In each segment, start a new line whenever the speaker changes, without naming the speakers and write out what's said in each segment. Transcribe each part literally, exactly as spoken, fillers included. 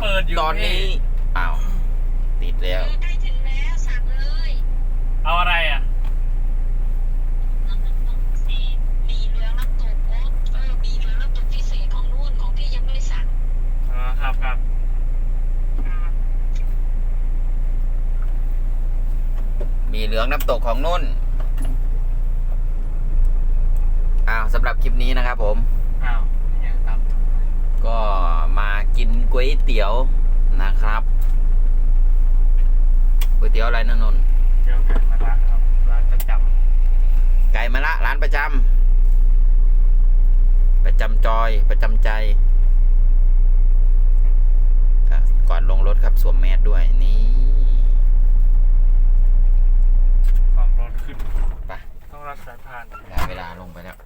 ตอนนี้อ้าวติดแล้ว
ใกล้ถึงแล้วสั่งเลย
เอาอะไรอ่ะ
บีเหลืองน้ำตกโอ๊ตเออบีเหลืองน้ำตกพิเศษของนู่นของพี่ยังไม่ได้สั่ง
อ๋อครับครับ
มีเหลืองน้ำตกของนุ่นอ้าวสำหรับคลิปนี้นะครับผม
อ้าวยังครับ
ก็มากินก๋วยเตี๋ยวนะครับก๋วยเตี๋ยวอะไรนะนนท์
เดี๋ยวไก่มะระครับร้านประจ
ำไก่มะระร้านประจำประจำจอยประจำใจก่อนลงรถครับสวมแมสด้วยนี่
ความร้อนขึ้น
ไป
ต้องรักสายพาน
ได้เวลาลงไปแล้ว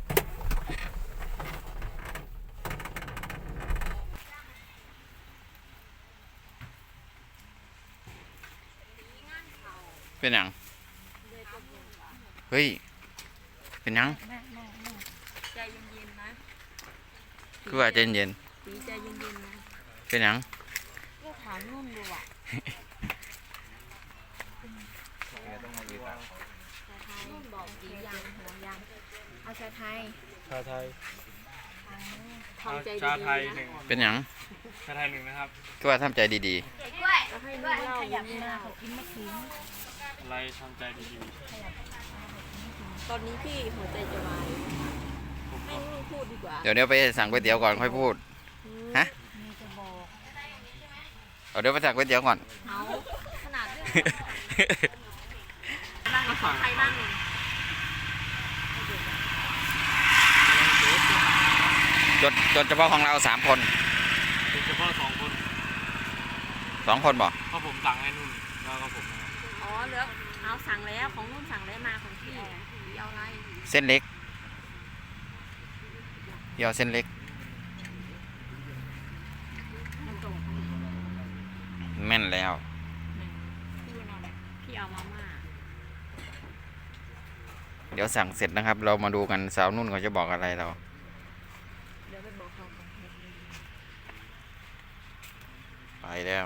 เป็นยังเฮ้ยเป็นยัง
ใจเย็นๆนะ
คือว่าใจเย็น
ปีใจเย็นๆนะ
เป็นยัง
ก็ถามนุ่นดูอ่ะนุ่นบอกกี่ยางหัวยางเอาชาไทย
ชาไทย
ทำใจดีๆนะ
ชาไทยหนึ่ง
เป็นยัง
ชาไทยหนึ่งนะครับ
คือว่าทำใจดี
ๆให้นุ่นเล่าขยับหน้าเขากินมะขืน
อะไรทำใจดี
ๆตอนนี้พี่หัวใจจะวายไม่นุ่นพูดดีกว่า
ๆเดี๋ยวเดี๋ยวไปสั่งก๋วยเตี๋ยวก่อนค่อยพูดฮะเอาเดี๋ยวไปสั่งก๋วยเตี๋ยวก่อน
เอาขนาดเรื่องนั่งขอใครนั่ง
จดจดเฉพาะของเราสามคน
เฉพาะสองคน
สองคนบอก
เพราะผมสั่งให้นุ่นแล้วก็ผม
อ๋อเหลือเอาสั่งแล้วของนุ่นสั่งแล้วมาของพี่เอาอะไร
เส้นเล็กเดี๋ยวเส้นเล็กแม่นแล้ว
พี่เอามาม่า
เดี๋ยวสั่งเสร็จนะครับเรามาดูกันสาวนุ่นเขาจะบอกอะไรเรา
เดี๋ยวไปบอกเขา
ไปแล้ว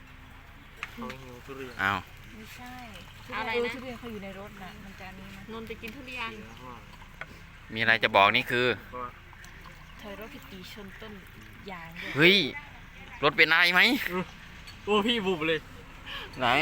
อ้าว
ไม่ใช่อะไรนะทุเรียนเขาอยู่ในรถนะมันจะนี้นะนนไปกินทุเรียน
มีอะไรจะบอกนี่คือ
เธอรถพิตีชนต้นยางด้วย
เฮ้ยรถเป็นอะไรไหม
โอ้พี่บุบเลย
ไหน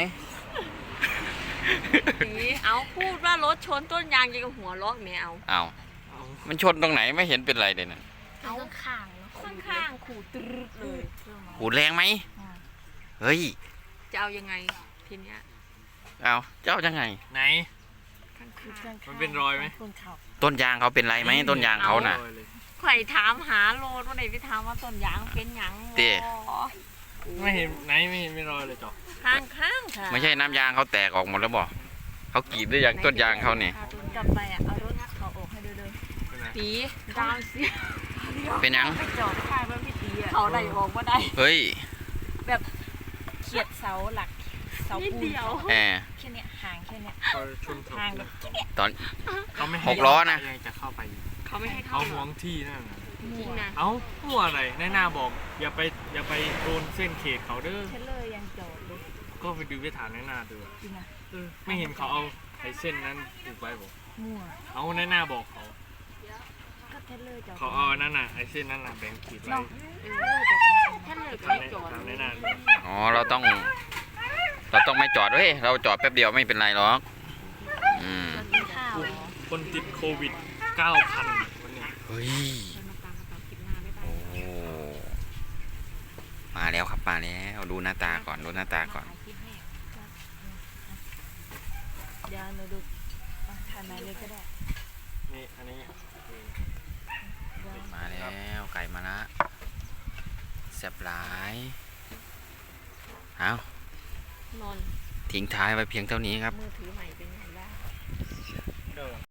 เอาพูดว่ารถชนต้นยางยังกับหัวล้อแมว
เอามันชนตรงไหนไม่เห็นเป็นไรเลยนะ
เอาข้างข้างๆขู่ตรึดเลย
ขูดแรงไหมเฮ้ย
จะเอายังไงทีเนี้ย
เอาเจ้ายังไง
ไหนมันเป็นรอยไหม
ต้นยางเขาเป็นไรไหมต้นยางเขาน่ะ
ใครถามหาโลดว่าไหนไปถามว่าต้นยางเป็นยัง
เต้
ไม่เห็นไหนไม่เห็นไม่รอยเลยจ้ะ
ข้างข้างค่ะ
ไม่ใช่น้ำยางเขาแตกออกหมดแล้วบอกเขากรีดด้วยยางต้นยางเขาเนี่ย
กลับไปอ่ะเอารถเขาออกให้ดูเลยตีดาวสิ
เป็นยัง
ไปจอดข้างแล้วพี่ตีอ่ะเขาได้ออกว่าได้
เฮ้ย
แบบเขียดเสาหลักเสาปูน
แอ
แค่เนี้ยห่างแค่เนี้ยห่างแบบ
ตอน
เขาไม่
หกล้อนะ
จะเข้าไป
เขาไม่ให้เข้า
เขาห่วงที่นั่น
จริงนะ
เอ้าหัวอะไรแน่นาบอกอย่าไปอย่าไปโดนเส้นเขตเขาเด้อ
เทเลอร์ยังจอดเลย
ก็ไปดูไปถามแน่นาดู
จริงนะ
ไม่เห็นเขาเอาไอ้เส้นนั้นผูกไว้บอก
มั่ว
เอาแน่นาบอกเขา
ก็เทเลอร์จอด
เขาเอานั่นน่ะไอ้เส้นนั่นน่ะแบ่งขีดไว้
เทเลอร์ไม่จอด
ถามแน่นา
อ๋อเราต้องเราต้องไม่จอดเว้ยเราจอดแป๊บเดียวไม่เป็นไรหรอกอืม
คนติดโควิดเก้าพันวันนี้
เฮ้ยโอ้มาแล้วครับมาแล้วดูหน้าตาก่อนดูหน้าตาก่อน
เดี๋ยวหนูดูทานไหนเลยก็ได้
นี่อันนี้
มาแล้วไก่มาละแซ่บหลายเอา
นอน
ทิ้งท้ายไว้เพียงเท่านี้ครับ
มือถือใหม่เป็นไงบ้าง